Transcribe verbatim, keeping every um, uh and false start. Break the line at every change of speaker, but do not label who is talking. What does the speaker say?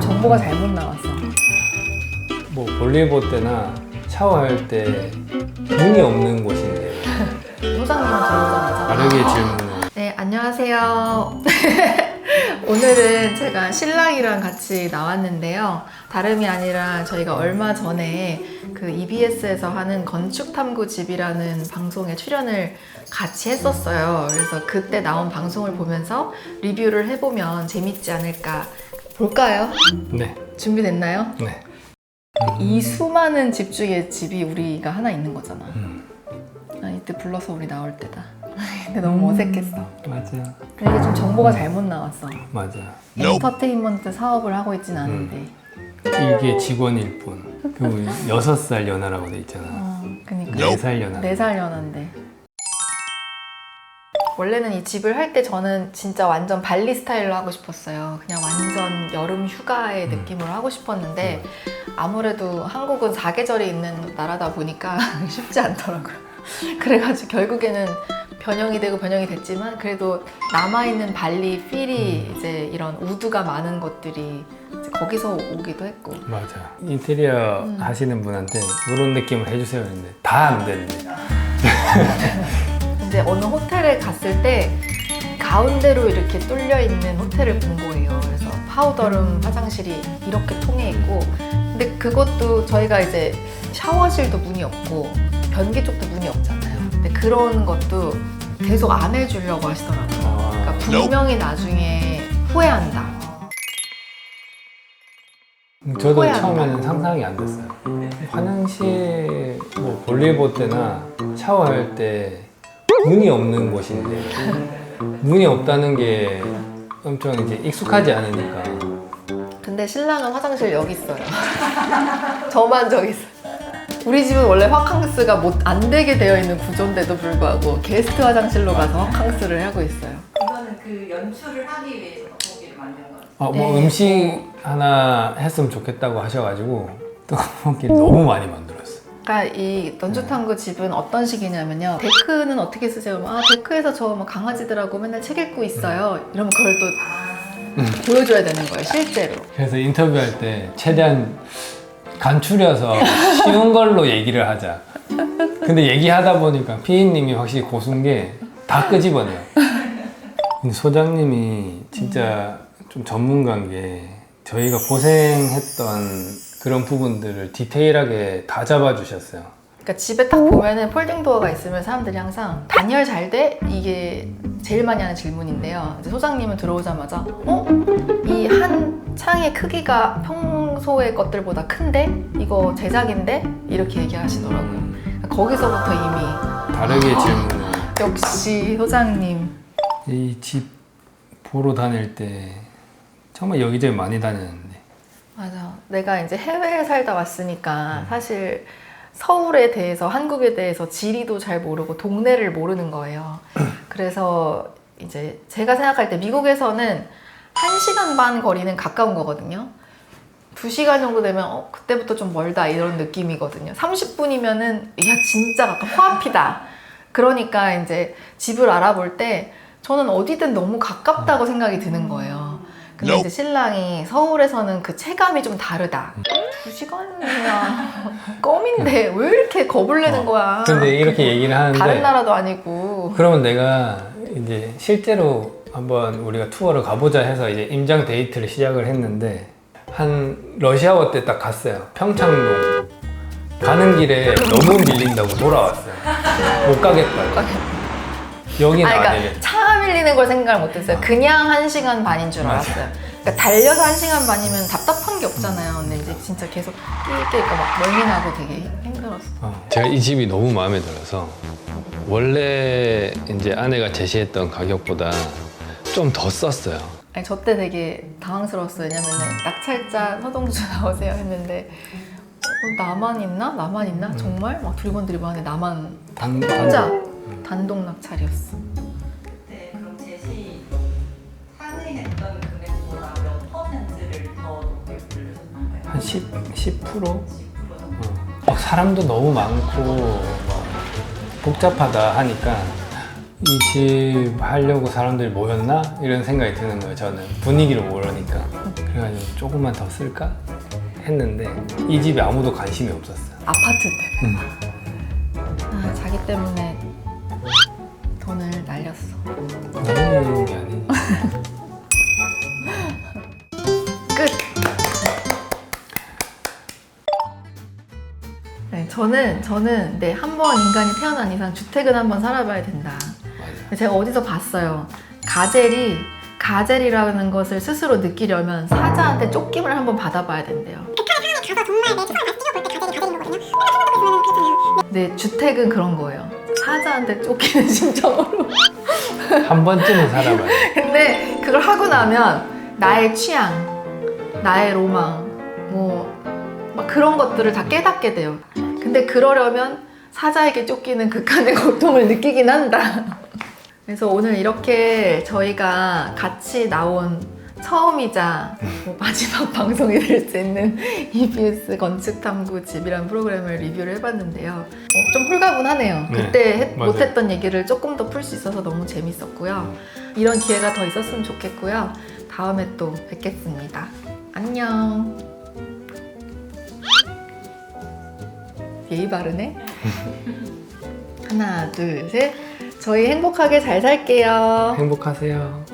정보가 잘못 나왔어.
뭐 볼일 볼 때나 샤워할 때 문이 없는 곳인데
소장님은 들어오자마자
다르게 질문을.
네, 안녕하세요. 오늘은 제가 신랑이랑 같이 나왔는데요. 다름이 아니라 저희가 얼마 전에 그 이비에스에서 하는 건축탐구집이라는 방송에 출연을 같이 했었어요. 그래서 그때 나온 방송을 보면서 리뷰를 해보면 재밌지 않을까. 볼까요?
네.
준비됐나요?
네.
이 수많은 집 중에 집이 우리가 하나 있는 거잖아.
음.
아, 이때 불러서 우리 나올 때다. 근데 너무 어색했어.
맞아.
근데 이게 좀 정보가 잘못 나왔어.
맞아.
엔터테인먼트 사업을 하고 있진 않은데.
이게 직원일 뿐. 그리고 여섯 살 연하라고 돼 있잖아.
어, 그니까.
네 살 연하.
네 살 연한데. 원래는 이 집을 할 때 저는 진짜 완전 발리 스타일로 하고 싶었어요. 그냥 완전 여름 휴가의
음.
느낌으로 하고 싶었는데 아무래도 한국은 사계절이 있는 나라다 보니까 쉽지 않더라고요. 그래가지고 결국에는 변형이 되고 변형이 됐지만 그래도 남아있는 발리 필이
음.
이제 이런 우드가 많은 것들이 이제 거기서 오기도 했고.
맞아. 인테리어
음.
하시는 분한테 이런 느낌을 해주세요 했는데 다 안 된대.
이제 어느 호텔에 갔을 때 가운데로 이렇게 뚫려 있는 호텔을 본 거예요. 그래서 파우더룸 화장실이 이렇게 통해 있고, 근데 그것도 저희가 이제 샤워실도 문이 없고 변기 쪽도 문이 없잖아요. 근데 그런 것도 계속 안 해주려고 하시더라고요. 그러니까 분명히 나중에 후회한다.
저도
후회한다.
처음에는 상상이 안 됐어요. 화장실 뭐 볼일 볼 때나 샤워할 때 문이 없는 곳인데 문이 없다는 게 엄청 이제 익숙하지 않으니까.
근데 신랑은 화장실 여기 있어요. 저만 저기 있어요. 우리 집은 원래 화캉스가 못 안 되게 되어 있는 구조인데도 불구하고 게스트 화장실로 가서 화캉스를 하고 있어요.
이거는 그 연출을 하기 위해서 떡볶이를 만든 거예요.
어, 뭐
네.
음식 하나 했으면 좋겠다고 하셔가지고 떡볶이를 너무 많이 만들었어요.
그러니까 이 던주탐구 집은 어떤 식이냐면요. 데크는 어떻게 쓰세요? 그러면 아 데크에서 저 뭐 강아지들하고 맨날 책 읽고 있어요. 이러면 그걸 또 보여줘야 되는 거예요, 실제로.
그래서 인터뷰할 때 최대한 간추려서 쉬운 걸로 얘기를 하자. 근데 얘기하다 보니까 피디님이 확실히 고수인 게 다 끄집어내요. 근데 소장님이 진짜 좀 전문가인 게 저희가 고생했던 그런 부분들을 디테일하게 다 잡아주셨어요.
그러니까 집에 딱 보면은 폴딩 도어가 있으면 사람들이 항상 단열 잘 돼? 이게 제일 많이 하는 질문인데요. 이제 소장님은 들어오자마자 어? 이 한 창의 크기가 평소의 것들보다 큰데? 이거 제작인데? 이렇게 얘기하시더라고요. 그러니까 거기서부터 이미
다르게 질문을.
역시 소장님.
이 집 보러 다닐 때 정말 여기저기 많이 다녔는데
맞아. 내가 이제 해외에 살다 왔으니까 사실 서울에 대해서, 한국에 대해서 지리도 잘 모르고 동네를 모르는 거예요. 그래서 이제 제가 생각할 때 미국에서는 한 시간 반 거리는 가까운 거거든요. 두 시간 정도 되면 어, 그때부터 좀 멀다 이런 느낌이거든요. 삼십 분이면은 야 진짜 가까 코앞이다. 그러니까 이제 집을 알아볼 때 저는 어디든 너무 가깝다고 생각이 드는 거예요. 근데 이제 신랑이 서울에서는 그 체감이 좀 다르다. 두 시간이야. 껌인데 왜 이렇게 겁을 내는 거야.
근데 이렇게 얘기를 하는데
다른 나라도 아니고.
그러면 내가 이제 실제로 한번 우리가 투어를 가보자 해서 이제 임장 데이트를 시작을 했는데 한 러시아워 때 딱 갔어요. 평창동 가는 길에 너무 밀린다고 돌아왔어요. 못 가겠다. 여기는
아니,
안
그러니까
되겠다.
차가 밀리는 걸 생각을 못했어요. 그냥 한 시간 반인 줄 알았어요. 그러니까 달려서 한 시간 반이면 답답한 게 없잖아요. 근데 이제 진짜 계속 끼니까 막 멀미 나고 되게 힘들었어.
어. 제가 이 집이 너무 마음에 들어서 원래 이제 아내가 제시했던 가격보다 좀 더 썼어요.
아니 저 때 되게 당황스러웠어요. 왜냐면은 낙찰자 서동주 나오세요 했는데 어, 나만 있나? 나만 있나? 정말? 막 두리번두리번 하는데 나만
단,
혼자
단,
단독 낙찰이었어.
그때 그럼 제시 상의했던 금액보다 몇 퍼센트를 더 높게 불러줬나요?
한 십, 십 퍼센트?
십 퍼센트 정도?
어. 막 사람도 너무 많고 막 복잡하다 하니까 이 집 하려고 사람들이 모였나? 이런 생각이 드는 거예요. 저는 분위기를 모르니까. 그래가지고 조금만 더 쓸까? 했는데 이 집에 아무도 관심이 없었어요.
아파트 때문에.
음.
아, 자기 때문에 돈을 날렸어.
너무 게 아니지.
끝! 네, 저는, 저는, 네, 한 번 인간이 태어난 이상 주택은 한번 살아봐야 된다.
맞아.
제가 어디서 봤어요. 가젤이, 가젤이라는 것을 스스로 느끼려면 사자한테 쫓김을 한번 받아봐야 된대요. 네, 주택은 그런 거예요. 사자한테 쫓기는 심정으로.
한 번쯤은 살아봐요.
근데 그걸 하고 나면 나의 취향, 나의 로망, 뭐, 막 그런 것들을 다 깨닫게 돼요. 근데 그러려면 사자에게 쫓기는 극한의 고통을 느끼긴 한다. 그래서 오늘 이렇게 저희가 같이 나온 처음이자 뭐 마지막 방송이 될 수 있는 이비에스 건축탐구 집이라는 프로그램을 리뷰를 해봤는데요. 어, 좀 홀가분하네요.
네,
그때 해-
맞아요.
못했던 얘기를 조금 더 풀 수 있어서 너무 재밌었고요. 이런 기회가 더 있었으면 좋겠고요. 다음에 또 뵙겠습니다. 안녕. 예의 바르네. 하나, 둘, 셋. 저희 행복하게 잘 살게요.
행복하세요.